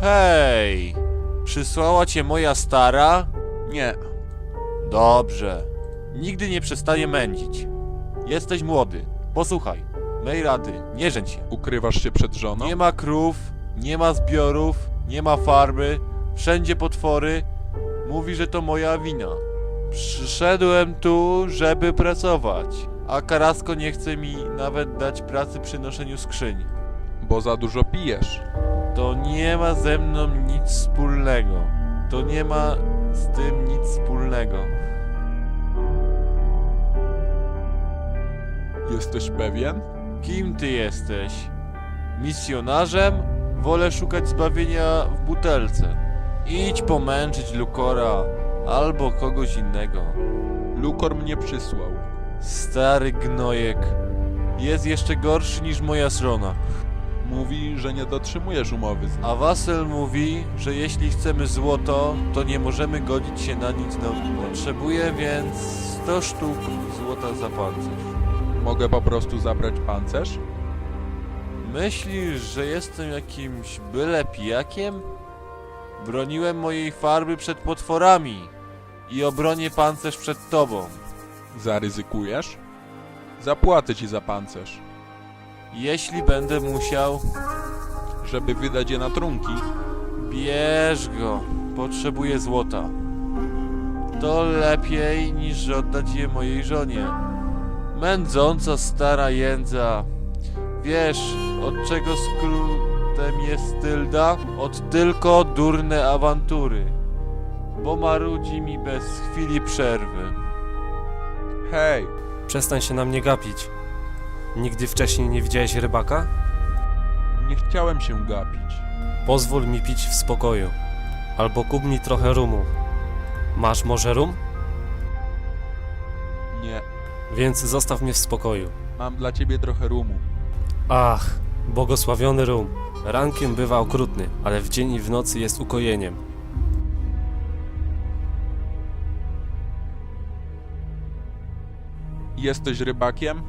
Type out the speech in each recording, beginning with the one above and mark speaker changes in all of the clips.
Speaker 1: Hej! Przysłała cię moja stara?
Speaker 2: Nie.
Speaker 1: Dobrze. Nigdy nie przestaję mędzić. Jesteś młody. Posłuchaj. Mej rady, nie żeń się.
Speaker 2: Ukrywasz się przed żoną?
Speaker 1: Nie ma krów, nie ma zbiorów, nie ma farby, wszędzie potwory. Mówi, że to moja wina. Przyszedłem tu, żeby pracować, a Karasko nie chce mi nawet dać pracy przy noszeniu skrzyń.
Speaker 2: Bo za dużo pijesz.
Speaker 1: To nie ma ze mną nic wspólnego. To nie ma z tym nic wspólnego.
Speaker 2: Jesteś pewien?
Speaker 1: Kim ty jesteś? Misjonarzem? Wolę szukać zbawienia w butelce. Idź pomęczyć Lukora albo kogoś innego.
Speaker 2: Lukor mnie przysłał.
Speaker 1: Stary gnojek. Jest jeszcze gorszy niż moja żona.
Speaker 2: Mówi, że nie dotrzymujesz umowy z nim.
Speaker 1: A Wasel mówi, że jeśli chcemy złoto, to nie możemy godzić się na nic nowego. Potrzebuję więc 100 sztuk złota za pancerz.
Speaker 2: Mogę po prostu zabrać pancerz?
Speaker 1: Myślisz, że jestem jakimś byle pijakiem? Broniłem mojej farby przed potworami i obronię pancerz przed tobą.
Speaker 2: Zaryzykujesz? Zapłacę ci za pancerz.
Speaker 1: Jeśli będę musiał,
Speaker 2: Żeby wydać je na trunki.
Speaker 1: bierz go. Potrzebuję złota. To lepiej niż oddać je mojej żonie. Mędząca stara jędza. Wiesz, od czego skrótem jest Tylda? Od tylko durne awantury. Bo marudzi mi bez chwili przerwy.
Speaker 2: Hej,
Speaker 3: Przestań się na mnie gapić. Nigdy wcześniej nie widziałeś rybaka?
Speaker 2: nie chciałem się gapić.
Speaker 3: Pozwól mi pić w spokoju. Albo kup mi trochę rumu. Masz może rum?
Speaker 2: Nie.
Speaker 3: Więc zostaw mnie w spokoju.
Speaker 2: Mam dla ciebie trochę rumu.
Speaker 3: Ach, błogosławiony rum. Rankiem bywa okrutny, ale w dzień i w nocy jest ukojeniem.
Speaker 2: Jesteś rybakiem?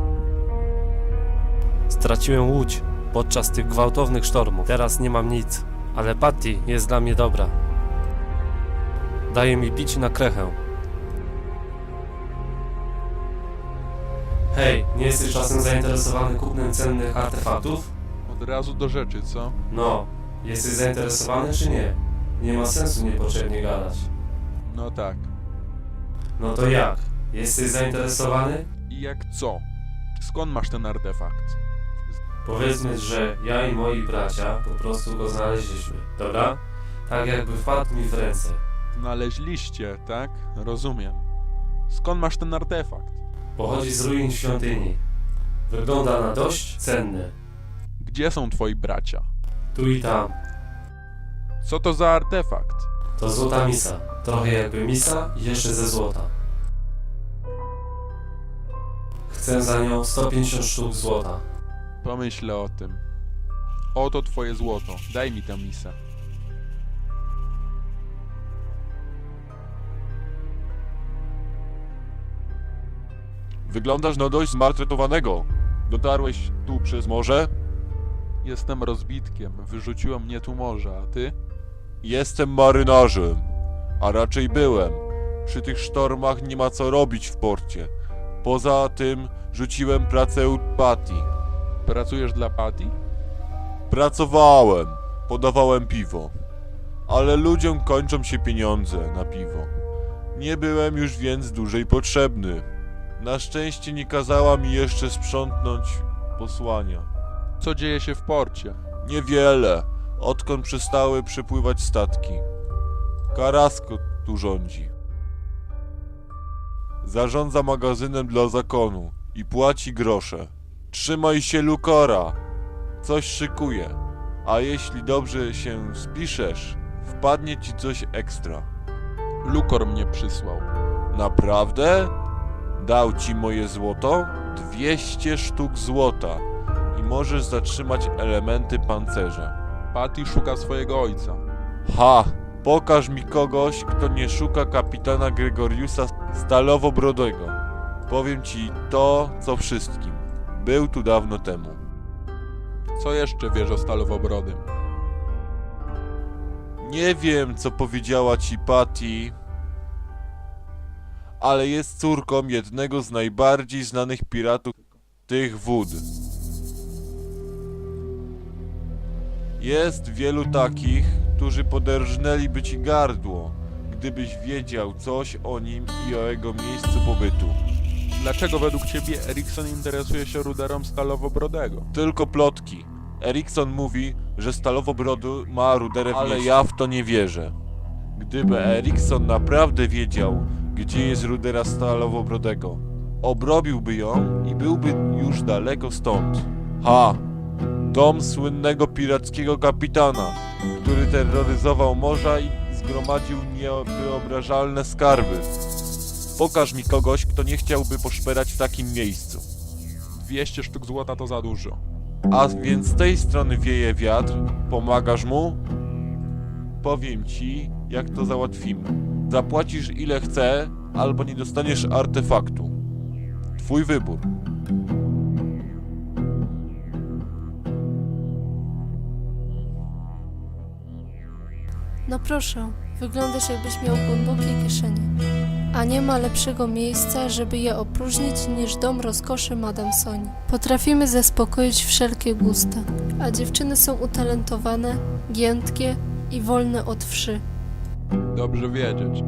Speaker 3: Straciłem łódź podczas tych gwałtownych sztormów. Teraz nie mam nic, ale Patty jest dla mnie dobra. Daje mi pić na krechę. Hej, nie jesteś czasem zainteresowany kupnem cennych artefaktów?
Speaker 2: Od razu do rzeczy, co?
Speaker 3: No, jesteś zainteresowany czy nie? Nie ma sensu niepotrzebnie gadać.
Speaker 2: No tak.
Speaker 3: No to jak? Jesteś zainteresowany?
Speaker 2: I jak co? Skąd masz ten artefakt?
Speaker 3: Powiedzmy, że ja i moi bracia po prostu go znaleźliśmy, dobra? Tak jakby wpadł mi w ręce.
Speaker 2: Znaleźliście, tak? Rozumiem. Skąd masz ten artefakt?
Speaker 3: Pochodzi z ruin świątyni. Wygląda na dość cenny.
Speaker 2: Gdzie są twoi bracia?
Speaker 3: Tu i tam.
Speaker 2: Co to za artefakt?
Speaker 3: To złota misa. Trochę jakby misa i jeszcze ze złota. Chcę za nią 150 sztuk złota.
Speaker 2: Pomyślę o tym. Oto twoje złoto. Daj mi tę misę.
Speaker 1: Wyglądasz na dość zmartwetowanego. Dotarłeś tu przez morze?
Speaker 2: Jestem rozbitkiem. Wyrzuciło mnie tu morze, a ty?
Speaker 1: Jestem marynarzem, a raczej byłem. Przy tych sztormach nie ma co robić w porcie. Poza tym rzuciłem pracę u Patty.
Speaker 2: Pracujesz dla Patty?
Speaker 1: Pracowałem, podawałem piwo. Ale ludziom kończą się pieniądze na piwo. Nie byłem już więc dłużej potrzebny. Na szczęście nie kazała mi jeszcze sprzątnąć posłania.
Speaker 2: Co dzieje się w porcie?
Speaker 1: Niewiele, odkąd przestały przypływać statki. Karasko tu rządzi. Zarządza magazynem dla zakonu i płaci grosze. Trzymaj się Lukora, coś szykuje, a jeśli dobrze się spiszesz, wpadnie ci coś ekstra.
Speaker 2: Lukor mnie przysłał.
Speaker 1: Naprawdę? Dał ci moje złoto? 200 sztuk złota i możesz zatrzymać elementy pancerza.
Speaker 2: Patty szuka swojego ojca.
Speaker 1: Ha! Pokaż mi kogoś, kto nie szuka kapitana Gregoriusa Stalowobrodego. Powiem ci to, co wszystkim. Był tu dawno temu.
Speaker 2: Co jeszcze wiesz o Stalowobrodym?
Speaker 1: Nie wiem, co powiedziała ci Patty, ale jest córką jednego z najbardziej znanych piratów tych wód. Jest wielu takich, którzy poderżnęliby ci gardło, gdybyś wiedział coś o nim i o jego miejscu pobytu.
Speaker 2: Dlaczego według ciebie Erikson interesuje się ruderem Stalowobrodego?
Speaker 1: Tylko plotki. Erikson mówi, że Stalowobrody ma ruderę w ale ja w to nie wierzę. Gdyby Erikson naprawdę wiedział, gdzie jest rudera Stalowobrodego, obrobiłby ją i byłby już daleko stąd. Dom słynnego pirackiego kapitana, który terroryzował morza i zgromadził niewyobrażalne skarby. Pokaż mi kogoś, kto nie chciałby poszperać w takim miejscu.
Speaker 2: 200 sztuk złota to za dużo.
Speaker 1: A więc z tej strony wieje wiatr, pomagasz mu? Powiem ci, jak to załatwimy. Zapłacisz ile chce, albo nie dostaniesz artefaktu. Twój wybór.
Speaker 4: No proszę, wyglądasz jakbyś miał głębokie kieszenie. A nie ma lepszego miejsca, żeby je opróżnić niż dom rozkoszy Madame Soni. Potrafimy zaspokoić wszelkie gusta, a dziewczyny są utalentowane, giętkie i wolne od wszy.
Speaker 2: Dobrze wiedzieć.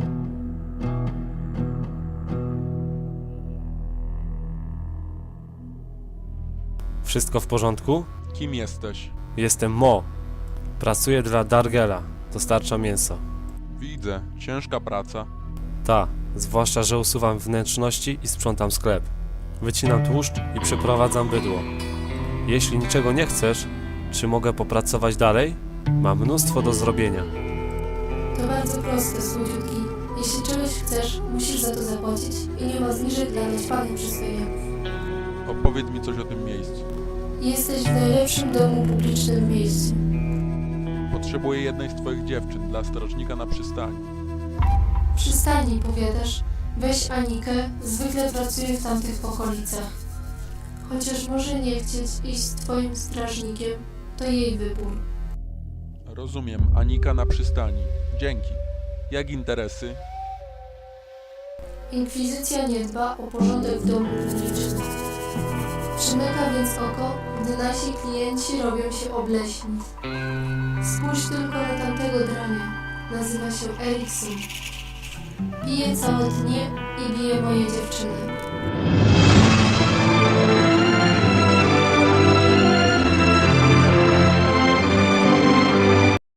Speaker 3: Wszystko w porządku?
Speaker 2: Kim jesteś?
Speaker 3: Jestem Mo. Pracuję dla Dargela. Dostarczam mięso.
Speaker 2: Widzę. Ciężka praca.
Speaker 3: Ta, zwłaszcza, że usuwam wnętrzności i sprzątam sklep. Wycinam tłuszcz i przeprowadzam bydło. Jeśli niczego nie chcesz, czy mogę popracować dalej? Mam mnóstwo do zrobienia.
Speaker 4: To bardzo proste, słodziutki. Jeśli czegoś chcesz, musisz za to zapłacić i nie ma zniżek dla naćpanych przyswojaków.
Speaker 2: Opowiedz mi coś o tym miejscu.
Speaker 4: Jesteś w najlepszym domu publicznym miejscu.
Speaker 2: Potrzebuję jednej z twoich dziewczyn dla strażnika na przystani.
Speaker 4: Przystani, powiadasz. Weź Anikę, zwykle pracuje w tamtych okolicach. Chociaż może nie chcieć iść z twoim strażnikiem, to jej wybór.
Speaker 2: Rozumiem. Anika na przystani. Dzięki. Jak interesy?
Speaker 4: Inkwizycja nie dba o porządek w domu publicznym. Przymyka więc oko, gdy nasi klienci robią się obleśni. Spójrz tylko na tamtego drania. Nazywa się Erikson. Pije całe dnie i bije moje dziewczyny.